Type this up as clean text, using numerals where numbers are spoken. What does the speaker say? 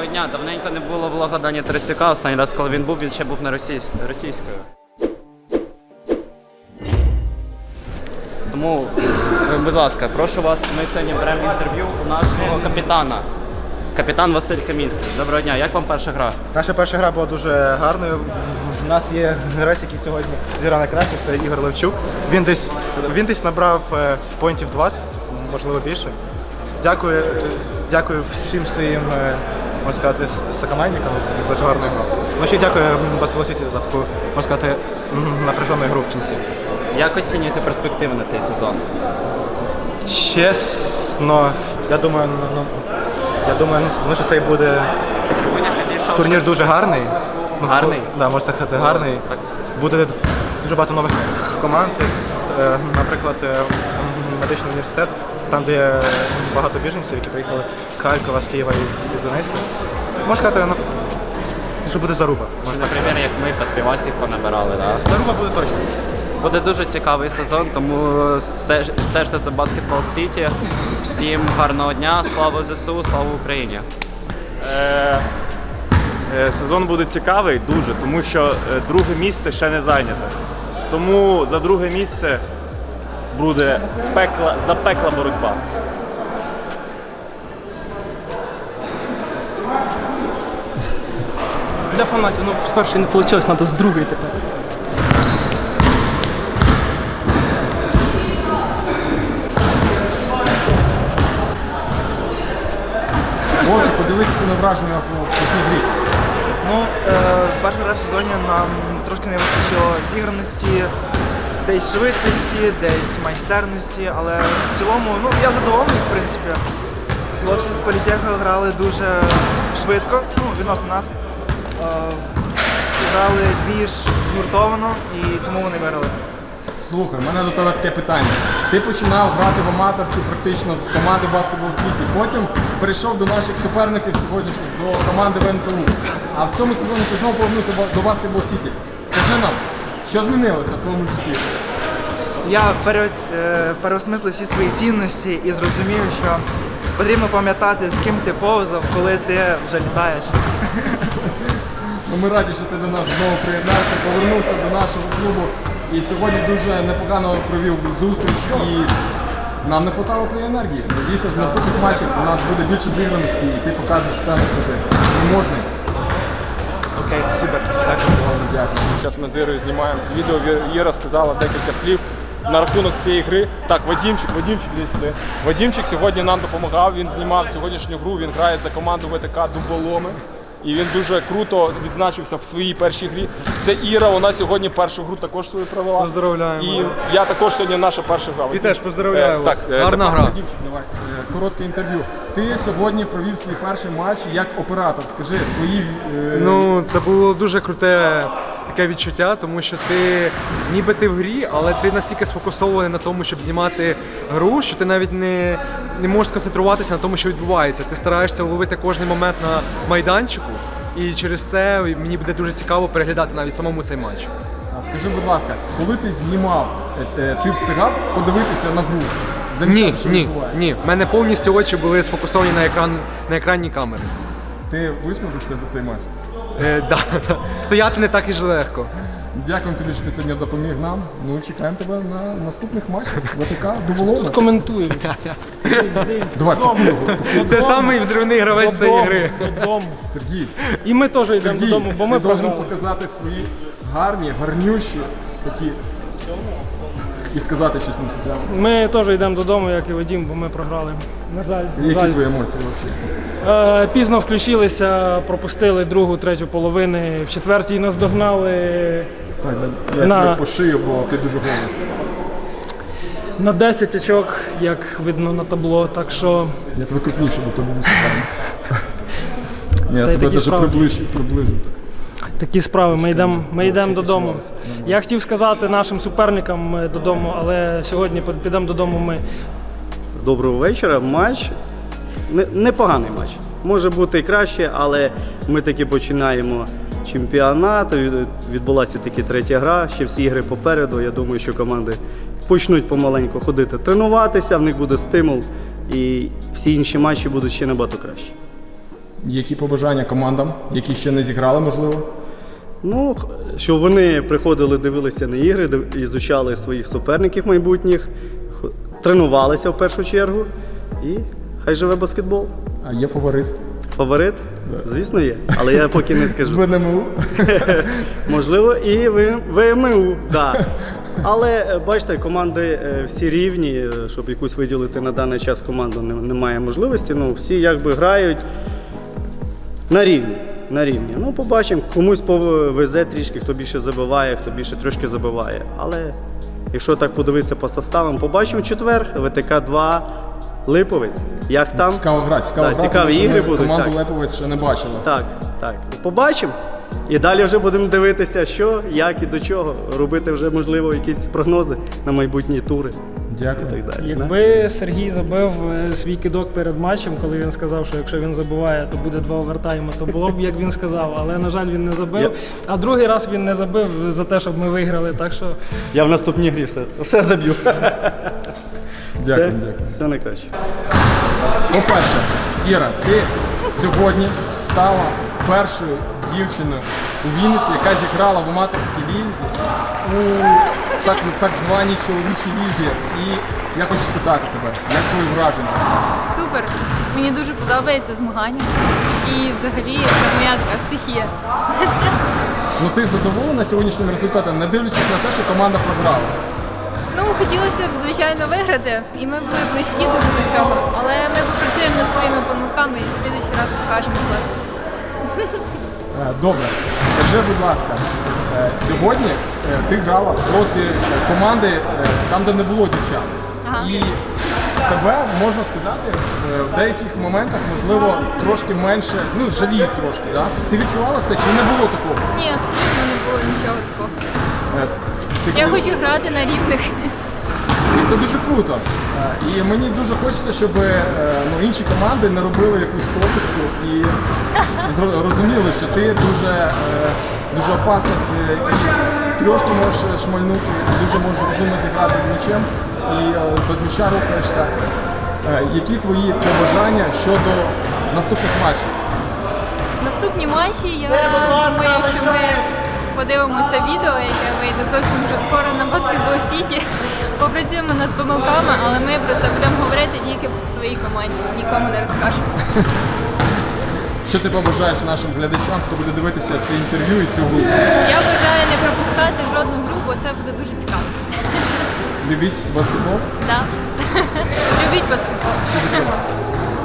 дня. Давненько не було влога Дані Тарасюка. Останній раз, коли він ще був на російською. Тому, будь ласка, прошу вас, ми сьогодні беремо інтерв'ю у нашого капітана. Капітан Василь Камінський. Доброго дня, як вам перша гра? Наша перша гра була дуже гарною. У нас є гравець, який сьогодні зіграв найкраще, це Ігор Левчук. Він десь набрав поінтів 20, можливо більше. Дякую всім своїм, можна сказати, сокомандникам за гарну гру. Ну ще дякую Баскетбол Сіті за таку, можна сказати, напряжену гру в кінці. Як оцінюєте перспективи на цей сезон? Чесно, я думаю, що цей буде турнір дуже гарний. Гарний? Так, можна сказати, гарний. Буде дуже багато нових команд. Наприклад, медичний університет, там де є багато біженців, які приїхали з Харкова, з Києва і з Донецька. Можна сказати, що буде заруба. Наприклад, як ми Патрівасів понабирали, так? Заруба буде точно. Буде дуже цікавий сезон, тому стежте за Баскетбол Сіті. Всім гарного дня, слава ЗСУ, слава Україні! Сезон буде цікавий дуже, тому що друге місце ще не зайняте. Тому за друге місце буде запекла боротьба. Для фанатів, з першої не вийшло, треба з другої тепер. Отже, поділитися своїми враженнями по цій грі. Перша гра в сезоні нам трошки не вистачило зіграності, десь швидкості, десь майстерності, але в цілому, я задоволений, в принципі. Хлопці з політеху грали дуже швидко, відносно нас. Грали більш згуртовано і тому вони виграли. Слухай, в мене до тебе таке питання. Ти починав грати в аматорці практично з команди Баскетбол Сіті, потім перейшов до наших суперників сьогоднішніх, до команди ВНТУ. А в цьому сезоні ти знову повернувся до Баскетбол Сіті. Скажи нам, що змінилося в твоєму житті? Я переосмислив всі свої цінності і зрозумів, що потрібно пам'ятати, з ким ти повзав, коли ти вже літаєш. Ми раді, що ти до нас знову приєднався, повернувся до нашого клубу. І сьогодні дуже непогано провів зустріч і нам не вистачало твоєї енергії. Надіюся, в наступних матчах у нас буде більше зіграності і ти покажеш себе, що ти можний. Окей, супер. Дякую. Зараз ми з Ірою знімаємо відео, Іра сказала декілька слів на рахунок цієї гри. Так, Вадімчик, іди сюди. Вадімчик сьогодні нам допомагав, він знімав сьогоднішню гру, він грає за команду ВТК Дуболоми. І він дуже круто відзначився в своїй першій грі. Це Іра, вона сьогодні першу гру також свою провела. Поздравляємо. І я також сьогодні наша перша гра. І теж поздравляю вас. Гарна гра. Вадімчик, давай, коротке інтерв'ю. Ти сьогодні провів свій перший матч як оператор. Скажи свої... Це було дуже круте таке відчуття, тому що ти ніби ти в грі, але ти настільки сфокусований на тому, щоб знімати гру, що ти навіть не можеш сконцентруватися на тому, що відбувається. Ти стараєшся ловити кожен момент на майданчику, і через це мені буде дуже цікаво переглядати навіть самому цей матч. Скажи, будь ласка, коли ти знімав, ти встигав подивитися на гру? Ні. У мене повністю очі були сфокусовані на екранній камері. Ти виснажився за цей матч? Да. Стояти не так і ж легко. Дякуємо тобі, що ти сьогодні допоміг нам. Чекаємо тебе на наступних матчах. ВТК, Дуболоми. Коментую. Давай, Це самий взривний гравець цієї гри. Додому. Сергій. І ми теж йдемо додому, бо ми ти должен програли. показати свої гарнющі такі і сказати щось на це тему. Ми теж йдемо додому, як і Вадим, бо ми програли. На жаль. Які твої емоції взагалі? Пізно включилися, пропустили другу, третю половини. В четвертій нас догнали Так, я тебе по шию, бо ти дуже голий. на 10 очок, як видно на табло. Так що Я тебе крупніше, бо в тебе високий. Я Та й тебе такі навіть справи. приближу. такі справи. Ми йдемо додому. Я хотів сказати нашим суперникам додому, але сьогодні підемо додому ми. Доброго вечора. Матч непоганий матч. Може бути і краще, але ми таки починаємо чемпіонат. Відбулася таки третя гра, ще всі ігри попереду. Я думаю, що команди почнуть помаленьку ходити, тренуватися, в них буде стимул і всі інші матчі будуть ще набагато краще. Які побажання командам, які ще не зіграли, можливо? Ну, щоб вони приходили, дивилися на ігри, ізучали своїх суперників майбутніх, тренувалися в першу чергу і хай живе баскетбол. А є фаворит? Фаворит? Звісно, є, але я поки не скажу. ВНМУ? Можливо, і ВМУ, так. Але бачите, команди всі рівні, щоб якусь виділити на даний час команду немає можливості. Ну, всі якби грають на рівні. На рівні. Ну, побачимо, комусь повезе трішки, хто більше забиває, хто більше трошки забиває. Але якщо так подивитися по составам, побачимо в четвер, ВТК 2, Липовець. Як там? Цікаво грати, цікаві тому що ігри ми будуть. команду Так. Липовець ще не бачили. Так. Побачимо. І далі вже будемо дивитися, що, як і до чого. Робити вже, можливо, якісь прогнози на майбутні тури. Дякую. І так далі. Якби Сергій забив свій кидок перед матчем, коли він сказав, що якщо він забиває, то буде 2 овертайми, то було б, як він сказав. Але, на жаль, він не забив. А другий раз він не забив за те, щоб ми виграли. Так що Я в наступній грі все заб'ю. Дякую. Все найкраще. По-перше, Іра, ти сьогодні стала першою дівчиною у Вінниці, яка зіграла в аматорській лізі у так званій чоловічій лізі. І я хочу спитати тебе, як твої враження? Супер! Мені дуже подобається змагання. І взагалі це моя така стихія. Ну ти задоволена сьогоднішнім результатом, не дивлячись на те, що команда програла? Ну, хотілося б, звичайно, виграти, і ми були близькі дуже до цього. Але ми попрацюємо над своїми помилками і в слідуючий раз покажемо клас. Добре, скажи, будь ласка, сьогодні ти грала проти команди там, де не було дівчат. Ага. І тебе, можна сказати, в деяких моментах, можливо, трошки менше, ну, жаліють трошки, да? Ти відчувала це чи не було такого? Ні, абсолютно не було нічого такого. Ти Я коли- хочу грати на рівних. І це дуже круто. І мені дуже хочеться, щоб інші команди не робили якусь пропуску і розуміли, що ти дуже опасно і трошки можеш шмальнути, дуже можеш розумно зіграти з м'ячем і без м'яча рухаєшся. Які твої побажання щодо наступних матчів? Наступні матчі, я думаю, що ми подивимося відео, яке вийде зовсім вже скоро на Basketball City. Попрацюємо над помилками, але ми про це будемо говорити тільки в своїй команді, нікому не розкажемо. Що ти побажаєш нашим глядачам, хто буде дивитися це інтерв'ю і цю гру? Я бажаю не пропускати жодну гру, бо це буде дуже цікаво. Любіть баскетбол? Да. Любіть баскетбол.